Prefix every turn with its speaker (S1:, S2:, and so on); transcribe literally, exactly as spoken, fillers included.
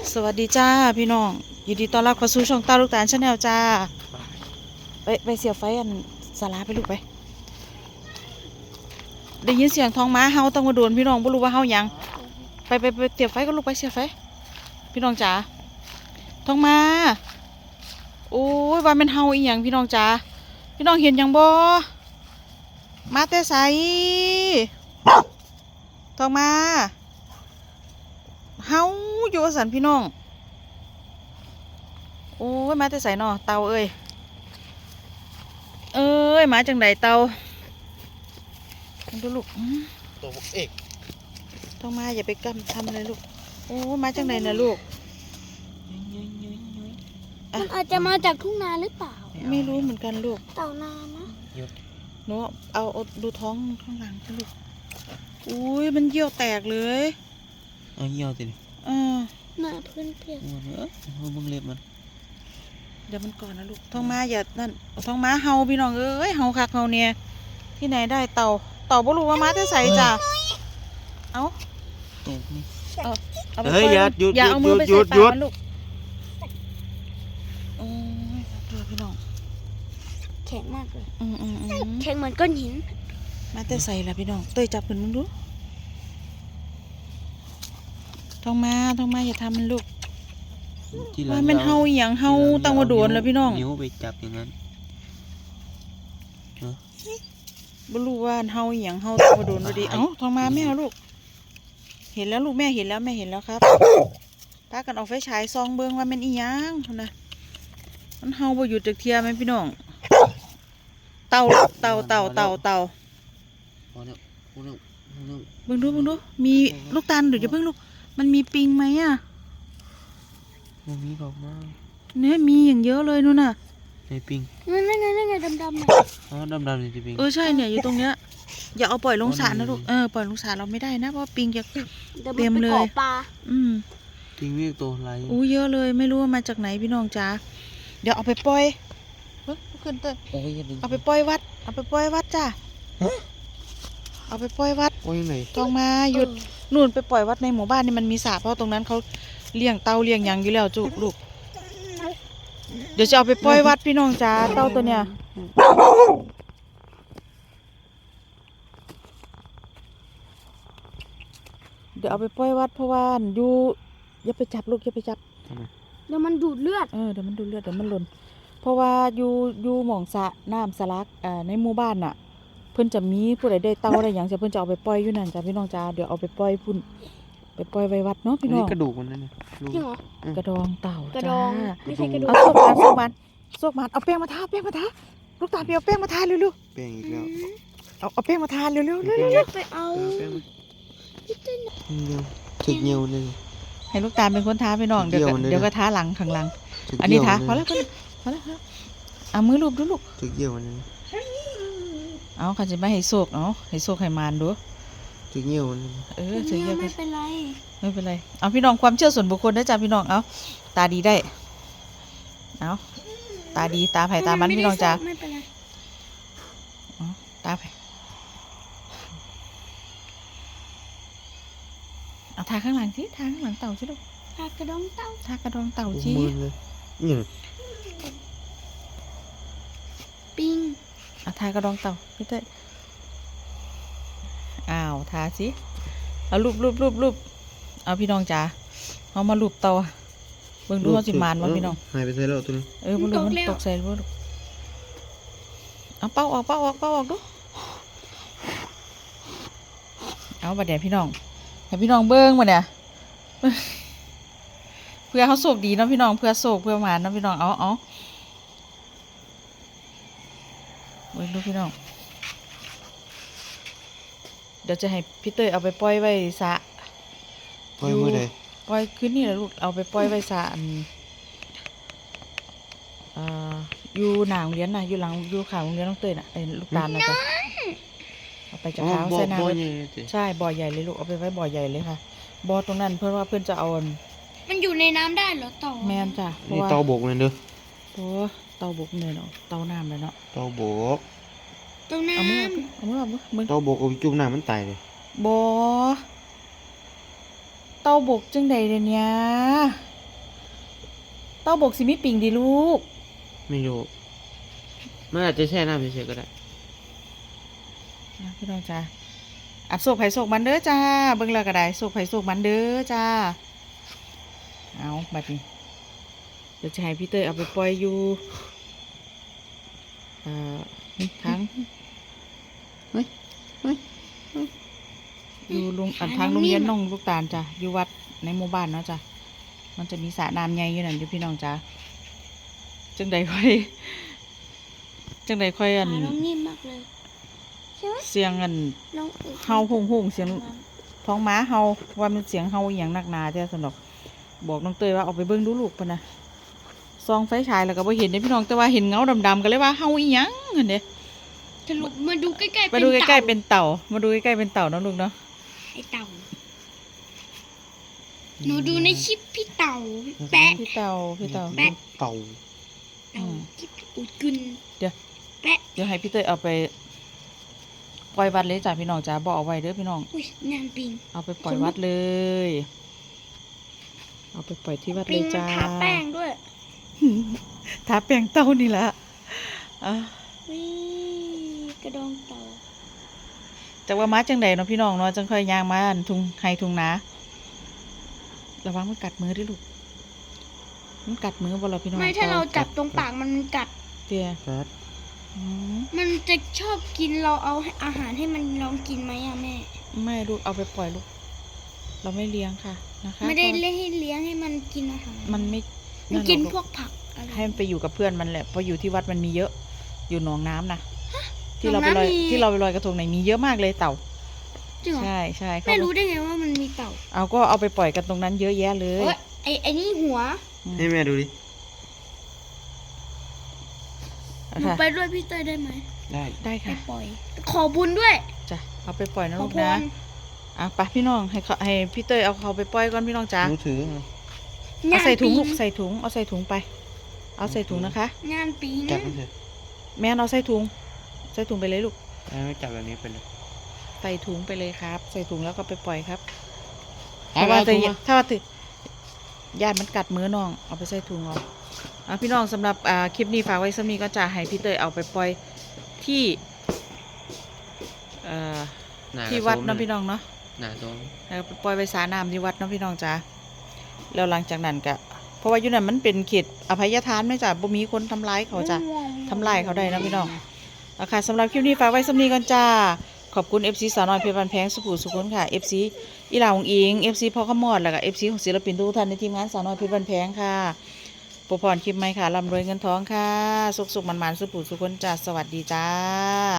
S1: สวัสดีจ้าพี่น้องยินดีต้อนรับเข้าสู่ช่องตาลูกตาลชาแนลจ้าไปไปเสียบไฟอันสาราไปลูกไปได้ยินเสียงท้องม้าเฮาต้องมาโดนพี่น้องบ่รู้ว่าเฮาหยังไปไปไปเสียบไฟก็ลูกไปเสียบไฟพี่น้องจ๋าท้องม้าโอ้ยว่ามันเฮาอีหยังพี่น้องจ๋าพี่น้องเห็นหยังบ่มาแต่ไสท้องม้าเฮาอยู่สันพี่น้องโอ้ยมาแต่ใส่นอเตาเอ้ยเอ้ยมาจังไดเตาดูลูก
S2: ตัวเอก
S1: ต้องมาอย่าไปกำทำอะไรลูกโอ้มาจังไดนะลูก
S3: มันอาจจะมาจากทุ่งนาหรือเปล่า
S1: ไม่รู้เหมือนกันลูก
S3: เต่านานะ
S1: หนูเอาเอาดูท้องข้างหลังลูกอุ้ยมันเยี่ยวแตกเลย
S2: เอาเยี่ยวสิ
S1: เออ
S3: หน้าพื้นเปียก
S2: เออมึงเล็บมัน
S1: เดี๋ยวมันก่อนนะลูกท้องม้าอย่านั่นท้องม้าเฮาพี่น้องเอ้ยเฮาคักเฮาเนี่ยที่ไหนได้เต่าเต่าบ่รู้ว่าม้าจะใส่จ้ะเอา
S2: ตกนี่
S1: เฮ้ยอย่าหยุดอย่าเอามือไปใส่ปากมันลูกโอ้ยดูพี่น้อง
S3: แข็งมากเลย
S1: อืมอืมอืม
S3: แข็งเหมือนก้อนหิน
S1: ม้าจะใส่ละพี่น้องเตยจับขึ้นมึงดูท้องม้าท้องม้าอย่าทำมันลูกว่ามันเฮาอย่างเฮาตั้งว่าโดนแล้วพี่น้อง
S2: นิ้วไปจับอย่างนั้น
S1: บ่รู้ว่าเฮาอย่างเฮาตั้งว่าโดนดูดิเอ้าท้องม้าแม่ลูกเห็นแล้วลูกแม่เห็นแล้วแม่เห็นแล้วครับพากันออกไฟฉายซองเบิ้งว่ามันอีหยังนะมันเฮาบ่หยุดจักเทียแม่พี่น้องเต่าเต่าเต่าเต่าเต่าเบิ่งดูเบิ่งดูมีลูกตาลหรือจะเพิ่งลูกมันมีปิงไหมอ่ะ
S2: มันมีบอกมา
S1: เนื้อมีอย่างเยอะเลยนู่นน่ะ
S2: ในปิง
S3: นั่นนั่นนั่นไงดำดำ
S2: อ๋อดำดำในปิง
S1: เออใช่เนี่ยอยู่ตรงเนี้ยอย่าเอาปล่อยลงสระนะลูกเออปล่อยลงสระเราไม่ได้นะเพราะปิงจะเต็มเลยอืม
S2: ปิงเรียกตัวอะไร
S1: อู้เยอะเลยไม่รู้ว่ามาจากไหนพี่น้องจ๋าเดี๋ยวเอาไปปล่อยเฮ้ยขึ้นเต้นเอาไปปล่อยวัดเอาไปปล่อยวัดจ้าเอาไปปล่อยวัดต้องมาหยุดนู่นไปปล่อยวัดในหมู่บ้านนี่มันมีสระเพราะตรงนั้นเขาเลี้ยงเต่าเลี้ยงยังอยู่แล้วจุลูกเดี๋ยวจะเอาไปปล่อยวัดพี่น้องจ๋าเต่าตัวเนี้ยเดี๋ยวเอาไปปล่อยวัดเพราะว่าอยู่อย่าไปจับลูกอย่าไปจับ
S3: เดี๋ยวมันดูดเลือด
S1: เออเดี๋ยวมันดูดเลือดเดี๋ยวมันหล่นเพราะว่าอยู่อยู่หม่องสระน้ำสลักอ่าในหมู่บ้านน่ะเพิ่นจะมีผู้ใดได้เต่าอะไรอย่างจะเพิ่นจะเอาไปปล่อยอยู่นั่นจ้ะพี่น้องจ๋าเดี๋ยวเอาไปปล่อยพุ่นไปปล่อยไว้วัดเนาะพี่น้อง
S2: กระดูกมันนั่นเนี่ย
S3: จริงเหรอ
S1: กระดองเต่า
S3: จ้าไม่ใช่กระดูก
S1: เอาโซกมันโซกมันโซกมันเอาแป้งมาทาแป้งมาทาลูกตาเปียวแป้งมาทาเร็ว
S2: ๆแป้งอีกแล้ว
S1: เอาเอาแป้งมาทาเร็วๆเร็ว
S3: ๆไปเอา
S2: ถึกเงียวเลย
S1: ให้ลูกตาเป็นคนทาพี่น้องเดี๋ยวเดี๋ยวก็ทาหลังข้างหลังอันนี้ทาพอแล้วพอแล้วครับเอามือลูบดูลูก
S2: ถึกเงียวมัน
S1: เอาเขาจะไม่ให้โซกเอาให้โซกให้มานดู
S2: ถึกเงียวมัน
S1: เออถึกเงียว
S3: ไม่เป็นไร
S1: ไม่เป็นไรเอาพี่น้องความเชื่อส่วนบุคคลนะจ๊ะพี่น้องเอาตาดีได้เอาตาดีตาไผ่ตามันพี่น้องจ้า
S3: ไม่เป็นไร
S1: ตาไผ่เอาทาข้างหลังสิทาข้างหลังเต่าสิลูก
S3: ทากระดองเต่า
S1: ทากระดองเต่าสิ
S3: ปิ้ง
S1: เอาทากระดองเต่าพี่เต้อ้าวทาสิเอารูปรูปรูปรูปเอาพี่น้องจ๋าเอามารูปเต่าเบิ่งดูเขาสิมานวะพี่น้อง
S2: หายไปใส่แล้วตัวนี้
S1: เออมันดูมันตกใส่ลูกเอาเป้าออกเป้าออกเป้าออกดูเอาบัดเดี๋ยวพี่น้องให้พี่น้องเบิ้งมาเนี่ยเพื่อเขาโศกดีนะพี่น้องเพื่อโศกเพื่อหมานนะพี่น้องเอาเอาเบิ้งดูพี่น้องเดี๋ยวจะให้พี่เต้ยเอาไปปล่อยไว้สระ
S2: ปล่อยเมื่อใด
S1: ปล่อยคืนนี้แหละลูกเอาไปปล่อยไว้สระอ่าอยู่หนางเลี้ยนน่ะอยู่หลังอยู่ข่าวโรงเรียนน้องเต้ยน่ะไอ้ลูกตาลนะจ๊ะเอาไปจากเท้าใส่น้ำใช่บ่อใหญ่เลยลูกเอาไปไว้บ่อใหญ่เลยค่ะบ่อตรงนั้นเพื่อนว่าเพื่อนจะเอา
S3: มันอยู่ในน้ำได้เหรอเต่า
S1: แม่นจ้ะ
S2: นี่เต่าบกเลยเด้อ
S1: โอ้เต่าบกเลยเนาะเต่าน้ำเลยเนาะ
S2: เต่าบก
S3: เต่าน้ำ
S1: เอามือเอามือเอามือ
S2: เต่าบกเอาจุ่มน้ำมันตายเลย
S1: บ่เต่าบกจังใดเดี๋ยวนี้เต้าบกสิมีปิงดีลูก
S2: ไม่รู้มันอาจจะแช่น้ำเฉยๆก็ได้
S1: นะพี่น้องจ้าอัดโศกไผ่โศกมันเด้อจ้าเบิ่งแล้วก็ได้โศกไผ่โศกมันเด้อจ้าเอาบัดนี้เดี๋ยวจะให้พี่เตยเอาไปปล่อยอยู่เอ่อทั้ง
S2: เฮ้ยเฮ้ย
S1: อยู่ลุงอันทางโรงเรียนน้องลูกตาลจ้ะอยู่วัดในหมู่บ้านเนาะจ้ะมันจะมีสระน้ำใหญ่อยู่นั่นอยู่พี่น้องจ้าจังใดค่อยจังใดค่อยอัน
S3: ขาน้องนิ่มมากเลยใช่ไหม
S1: เสียงอัน
S3: น้องอก
S1: เฮาหุ่งหุ่งเสียงท้องม้าเฮาว่ามันเสียงเฮาอหย่างหนักหนาเจ้าสนอกบอกน้องเตยว่าเอาไปเบิ่งดูลูกปะนะซองไฟฉายแล้วก็บ่เห็นเด้พี่น้องแต่ว่าเห็นเงาดำๆก็เลยว่าเฮาอีหยังเห็นเด้
S3: สรุปมาดูใกล้ๆ
S1: มาดูใกล้ๆเป็นเต่ามาดูใกล้ๆเป็นเต่าเนาะลูกเนาะ
S3: ไอเต่าหนูดูในคลิปพี่เต่าพี่แปะ
S1: พี่เต่าพี่เต่า
S3: แปะ
S2: เต่า
S3: เต่าคลิปอุดกุน
S1: เดี๋ยว
S3: แปะ
S1: เดี๋ยวให้พี่เตยเอาไปปล่อยวัดเลยจ้ะพี่น้องจ้าบอกเอาไว้เด้อพี่น้อง
S3: อุ้ยนานปิง
S1: เอาไปปล่อยวัดเลย เอาไปปล่อยที่วัด
S3: ปิ
S1: เล
S3: ง
S1: ย
S3: มัน
S1: จ้า
S3: ทาแป้งด้วย
S1: ทาแป้งเต่านี่แหละอ่ะ
S3: วิกระดองเต่า
S1: จากว่ามาจังใดเนาะพี่น้องเนาะจังค่อยย่างมาอันทุงไฮทุงนาระวังมันกัดมือด้วยลูกมันกัดมือบ่เราพี่น้อง
S3: ไม่ถ้าเราจับตรงปากมันมันกัด
S1: เตี้ย
S2: ครับ
S1: อืม
S3: มันจะชอบกินเราเอาอาหารให้มันลองกินไหมอะแม่
S1: ไม่ลูกเอาไปปล่อยลูก เราไม่เลี้ยงค่ะนะคะ
S3: ไม่ได้เล่นให้เลี้ยงให้มันกินอาหาร
S1: มันไม่
S3: มันกิน
S1: หรอ
S3: พวกผักอะไร
S1: ให้มันไปอยู่กับเพื่อนมันแหละเพราะอยู่ที่วัดมันมีเยอะ อยู่หนองน้ำนะที่
S3: หน
S1: เรา
S3: อง
S1: ไปลอย
S3: น้ำมี
S1: ที่เราไปลอยกระทงไหนมีเยอะมากเลยเต่า
S3: จริงเหรอ
S1: ใช่ใช่เขา
S3: ไม่รู้ได้ไงว่ามันมีเต่า
S1: เอาก็เอาไปปล่อยกันตรงนั้นเยอะแยะเลย
S3: เอ้ยไอไอนี่หัว
S2: ให้แม่ดูดิ
S1: เอา
S3: หนู
S1: ค่ะ
S3: ไปด้วยพี่เต้ยได้ไหม
S2: ได้
S1: ได้
S3: ไป
S1: ค่ะ
S3: ปล่อย ขอบุญด้วย
S1: จ้ะเอาไปปล่อยนะ
S3: ขอ
S1: ลูก
S3: พ
S1: นะ
S3: ร
S1: อ่ะไปพี่น้องให้เขาให้พี่เต้ยเอาเขาไปปล่อยก่อนพี่น้องจ๋า
S2: หนูถือไง
S1: เอาใส่ถุง
S3: ปี
S1: ลูกใส่ถุงเอาใส่ถุงไป เอาใส่ถุงนะคะ
S3: งานปี
S2: จับ
S3: นะ
S2: มันเถอะ
S1: แม่เอาใส่ถุงใส่ถุงไปเลยลูก
S2: ไม่จับแบบนี้ไปเลย
S1: ใส่ถุงไปเลยครับ ใส่ถุงแล้วก็ไปปล่อยครับ
S2: เอา
S1: ถ้าว่า
S2: เอาถุ
S1: จะ
S2: งมา
S1: ถ้าว่าจะญาติมันกัดมือน้องเอาไปใส่ถุงเอาอ่ะพี่น้องสำหรับอ่าคลิปนี้ฝากไว้สักนี้ก็จะให้พี่เตยเอาไปปล่อยที่เอ่อ
S2: หน้ากระ
S1: ที่วัด
S2: โซม
S1: เนาะ
S2: เลย
S1: พี่น้องเนาะ
S2: หน้าโซม
S1: แล้วไปปล่อยไปสาน้ำที่วัดเนาะพี่น้องจ้าแล้วหลังจากนั้นก็เพราะว่าอยู่นั่นมันเป็นเขตอภัยทานไม่จ้ะบ่มีคนทำร้ายเขาจ้ะทำลายเขาได้นะพี่น้องเอาค่ะสำหรับคลิปนี้ฝากไว้สักนี้ก่อนจ้าขอบคุณ เอฟ ซี สาวน้อยเพชรบันแพงสุขุมสุขนค่ะ เอฟ ซี อีหลาของอิง เอฟ ซี พ่อขมอดแล้วก็ เอฟ ซี ของศิลปินทุกท่านในทีมงานสาวน้อยเพชรบันแพงค่ะปรพรคลิปใหม่ค่ะร่ำรวยเงินทองค่ะสุขสุขมันๆสุขุมสุขนจ้าสวัสดีจ้า